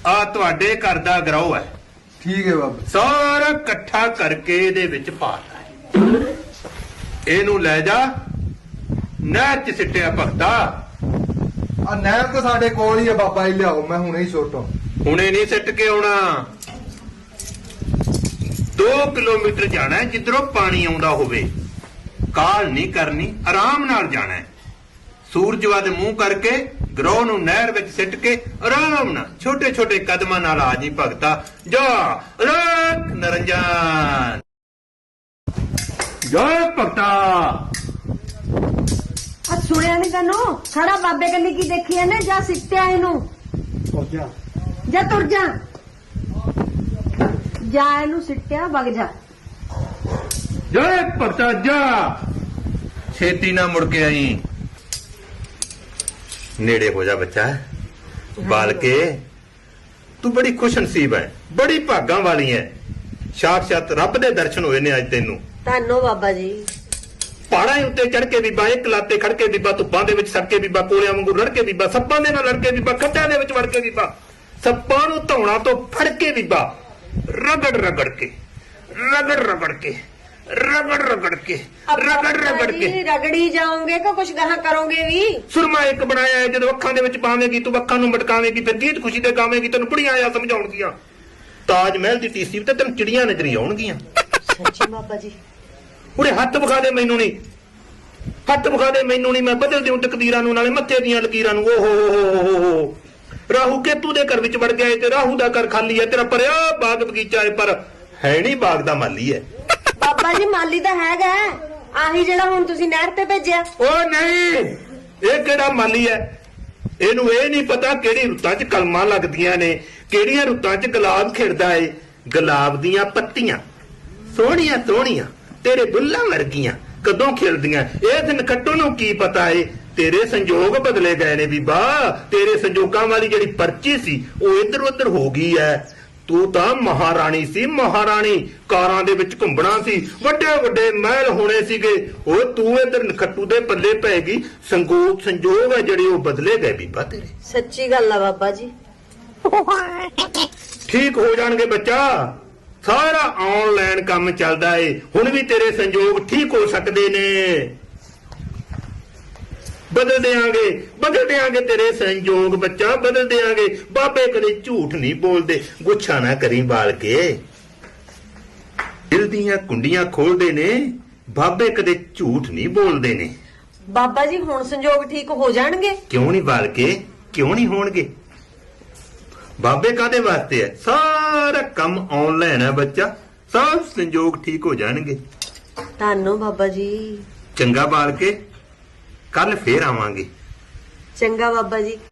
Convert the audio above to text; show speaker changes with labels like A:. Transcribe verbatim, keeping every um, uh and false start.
A: ਆ ਤੁਹਾਡੇ ਘਰ ਦਾ ਗਰੋਹ ਹੈ।
B: ਠੀਕ ਹੈ ਬਾਬਾ।
A: ਸਾਰਾ ਇਕੱਠਾ ਕਰਕੇ ਇਹਦੇ ਵਿੱਚ ਪਾ ਲੈ। ਇਹਨੂੰ ਲੈ ਜਾ ਨਹਿਰ ਚ ਸਿੱਟਿਆ ਭਗਤਾ।
B: ਆ ਨਹਿਰ ਤਾਂ ਸਾਡੇ ਕੋਲ ਹੀ ਹੈ ਬਾਬਾ ਜੀ, ਲਿਆਓ ਮੈਂ ਹੁਣੇ ਹੀ ਸੁੱਟਾਂ।
A: ਹੁਣੇ ਨਹੀਂ ਸਿੱਟ ਕੇ ਆਉਣਾ, ਦੋ ਕਿਲੋਮੀਟਰ ਜਾਣਾ ਹੈ ਜਿੱਧਰੋਂ ਪਾਣੀ ਆਉਂਦਾ ਹੋਵੇ। ਕਾਹਲ ਨਹੀਂ ਕਰਨੀ, ਆਰਾਮ ਨਾਲ ਜਾਣਾ ਹੈ। ਸੂਰਜ ਵੱਲ ਮੂੰਹ ਕਰਕੇ ਗਰੋਹ ਨੂੰ ਨਹਿਰ ਵਿੱਚ ਸਿੱਟ ਕੇ ਆਰਾਮ ਨਾਲ ਛੋਟੇ ਛੋਟੇ ਕਦਮਾਂ ਨਾਲ ਆ ਜੀ ਭਗਤਾ। ਜਾ ਰੱਖ ਨਰੰਜਨ, ਜਾ ਭਗਤਾ।
C: ਆ ਸੁਣਿਆ ਨਹੀਂ ਤੈਨੂੰ? ਖੜਾ ਬਾਬੇ ਕੰਨੀ ਕੀ ਦੇਖੀ ਇਹਨੇ? ਜਾ ਸਿੱਟਿਆ ਇਹਨੂੰ।
B: ਜਾ
C: ਜਾ ਤੁਰ ਜਾ, ਜਾ ਇਹਨੂੰ ਸਿੱਟਿਆ, ਵਗ ਜਾ।
A: ਜਾ ਭਗਤਾ ਜਾ, ਛੇਤੀ ਨਾ ਮੁੜ ਕੇ ਆਈ। ਨੇੜੇ ਹੋ ਜਾ ਬੱਚਾ, ਬਾਲ ਕੇ ਤੂੰ ਬੜੀ ਖੁਸ਼ਨਸੀਬ ਹੈ, ਬੜੀ ਭਾਗਾਂ ਵਾਲੀ ਹੈ। ਸਾਖਸ਼ਾਤ ਰੱਬ ਦੇ ਦਰਸ਼ਨ ਹੋਏ ਨੇ ਅੱਜ ਤੈਨੂੰ।
C: ਧੰਨੋ ਬਾਬਾ ਜੀ।
A: ਪਹਾੜਾਂ ਉੱਤੇ ਚੜ ਕੇ ਬੀਬਾ, ਇੱਕ ਲਾਤੇ ਖੜ ਕੇ ਬੀਬਾ, ਧੁੱਪਾਂ ਦੇ ਵਿੱਚ ਸੜ ਕੇ ਬੀਬਾ, ਕੋਲਿਆਂ ਵਾਂਗੂ ਰੜ ਕੇ ਬੀਬਾ, ਸੱਪਾਂ ਦੇ ਨਾਲ ਲੜ ਕੇ ਬੀਬਾ, ਖੱਡਾਂ ਦੇ ਵਿੱਚ ਵੜ ਕੇ ਬੀਬਾ, ਸੱਪਾਂ ਨੂੰ ਧੌਣਾ ਤੋਂ ਫੜ ਕੇ ਬੀਬਾ, ਰਗੜ ਰਗੜ ਕੇ ਰਗੜ ਰਗੜ ਕੇ ਰਗੜ ਰਗੜ ਕੇ ਰਗੜ ਰਗੜ ਕੇ
C: ਰਗੜੀ ਜਾਓਗੇ ਕਿ ਕੁਛ ਗਾਹਾਂ ਕਰੋਗੇ ਵੀ?
A: ਸੁਰਮਾ ਇੱਕ ਬਣਾਇਆ ਹੈ, ਜਦੋਂ ਅੱਖਾਂ ਦੇ ਵਿੱਚ ਪਾਵੇਂਗੀ ਤੂੰ, ਅੱਖਾਂ ਨੂੰ ਮਟਕਾਵੇਂਗੀ, ਫਿਰ ਗੀਤ ਖੁਸ਼ੀ ਦੇ ਗਾਵੇਂਗੀ, ਤੈਨੂੰ ਬੁੜੀਆਂ ਆ ਸਮਝਾਉਣਗੀਆਂ। ਤਾਜ ਮਹਿਲ ਦੀ ਟੀਸੀ ਤੇ ਤੈਨੂੰ ਚਿੜੀਆਂ ਨਜ਼ਰੀ ਆਉਣਗੀਆਂ।
C: ਸੱਚੀ ਬਾਬਾ ਜੀ?
A: ਉਰੇ ਹੱਥ ਵਿਖਾ ਦੇ ਮੈਨੂੰ, ਨਹੀਂ ਹੱਥ ਵਿਖਾ ਦੇ ਮੈਨੂੰ, ਨਹੀਂ ਮੈਂ ਬਦਲ ਦਿਉ ਤਕਦੀਰਾਂ ਨੂੰ, ਨਾਲੇ ਮੱਥੇ ਦੀਆਂ ਲਕੀਰਾਂ ਨੂੰ। ਓਹ ਹੋ ਹੋ, ਰਾਹੂ ਕੇਤੂ ਦੇ ਘਰ ਵਿੱਚ ਵੜ ਗਿਆ ਤੇ ਰਾਹੂ ਦਾ ਘਰ ਖਾਲੀ ਹੈ। ਤੇਰਾ ਭਰਿਆ ਬਾਗ ਬਗੀਚਾ ਹੈ, ਪਰ ਹੈ ਨਹੀਂ ਬਾਗ ਦਾ ਮਾਲੀ ਹੈ।
C: ਬਾਬਾ ਜੀ ਮਾਲੀ ਤਾਂ ਹੈਗਾ, ਆਹੀ ਜਿਹੜਾ ਹੁਣ ਤੁਸੀਂ ਨਹਿਰ ਤੇ ਭੇਜਿਆ।
A: ਉਹ ਨਹੀਂ, ਇਹ ਕਿਹੜਾ ਮਾਲੀ ਹੈ? ਇਹਨੂੰ ਇਹ ਨਹੀਂ ਪਤਾ ਕਿਹੜੀ ਰੁੱਤਾਂ 'ਚ ਕਲਮਾਂ ਲੱਗਦੀਆਂ ਨੇ, ਕਿਹੜੀਆਂ ਰੁੱਤਾਂ 'ਚ ਗੁਲਾਬ ਖਿੜਦਾ ਏ। ਗੁਲਾਬ ਦੀਆਂ ਪੱਤੀਆਂ ਸੋਹਣੀਆਂ ਸੋਹਣੀਆਂ ਤੇਰੇ ਬੁੱਲਾਂ ਵਰਗੀਆਂ ਕਦੋਂ ਖਿੜਦੀਆਂ, ਇਹ ਦਿਨ ਕੱਟੋ ਨੂੰ ਕੀ ਪਤਾ ਏ। ਤੇਰੇ ਸੰਜੋਗ ਬਦਲੇ ਗਏ ਨੇ ਬੀਬਾ, ਤੇਰੇ ਸੰਜੋਗਾਂ ਵਾਲੀ ਜਿਹੜੀ ਪਰਚੀ ਸੀ ਉਹ ਇੱਧਰ ਉੱਧਰ ਹੋ ਗਈ ਐ। ਤੂੰ ਤਾਂ ਮਹਾਰਾਣੀ ਸੀ, ਮਹਾਰਾਣੀ, ਕਾਰਾਂ ਦੇ ਵਿੱਚ ਘੁੰਮਣਾ ਸੀ, ਵੱਡੇ ਵੱਡੇ ਮਹਿਲ ਹੋਣੇ ਸੀਗੇ। ਉਹ ਤੂੰ ਇੱਧਰ ਨਖੱਟੂ ਦੇ ਪੱਲੇ ਪੈ ਗਈ। ਸੰਗੋਗ ਸੰਜੋਗ ਹੈ ਜਿਹੜੇ ਉਹ ਬਦਲੇ ਗਏ ਬੀਬਾ ਤੇਰੇ।
C: ਸੱਚੀ ਗੱਲ ਆ ਬਾਬਾ ਜੀ।
A: ਠੀਕ ਹੋ ਜਾਣਗੇ ਬੱਚਾ, ਸਾਰਾ ਆਨਲਾਈਨ ਕੰਮ ਚੱਲਦਾ ਏ। ਹੁਣ ਵੀ ਤੇਰੇ ਸੰਜੋਗ ਠੀਕ ਹੋ ਸਕਦੇ ਨੇ। ਬਦਲ ਦਿਆਂਗੇ, ਬਦਲ ਦਿਆਂਗੇ ਤੇਰੇ ਸੰਜੋਗ ਬੱਚਾ, ਬਦਲ ਦਿਆਂਗੇ। ਬਾਬੇ ਕਦੇ ਝੂਠ ਨਹੀਂ ਬੋਲਦੇ, ਗੁੱਛਾ ਨਾ ਕਰੀ ਬਾਲ ਕੇ। ਦਿਲ ਦੀਆਂ ਕੁੰਡੀਆਂ ਖੋਲਦੇ ਨੇ, ਬਾਬੇ ਕਦੇ ਝੂਠ ਨਹੀਂ ਬੋਲਦੇ ਨੇ।
C: ਬਾਬਾ ਜੀ ਹੁਣ ਸੰਜੋਗ ਠੀਕ ਹੋ ਜਾਣਗੇ?
A: ਕਿਉਂ ਨਹੀਂ ਬਾਲ ਕੇ, ਕਿਉਂ ਨਹੀਂ ਹੋਣਗੇ? ਬਾਬੇ ਕਾਦੇ ਵਾਸਤੇ ਹੈ? ਸਾਰਾ ਕੰਮ ਆਨਲਾਈਨ ਹੈ ਬੱਚਾ, ਸਭ ਸੰਜੋਗ ਠੀਕ ਹੋ ਜਾਣਗੇ।
C: ਧੰਨੋ ਬਾਬਾ ਜੀ।
A: ਚੰਗਾ ਬਾਲ ਕੇ, ਕੱਲ ਫੇਰ ਆਵਾਂਗੇ।
C: ਚੰਗਾ ਬਾਬਾ ਜੀ।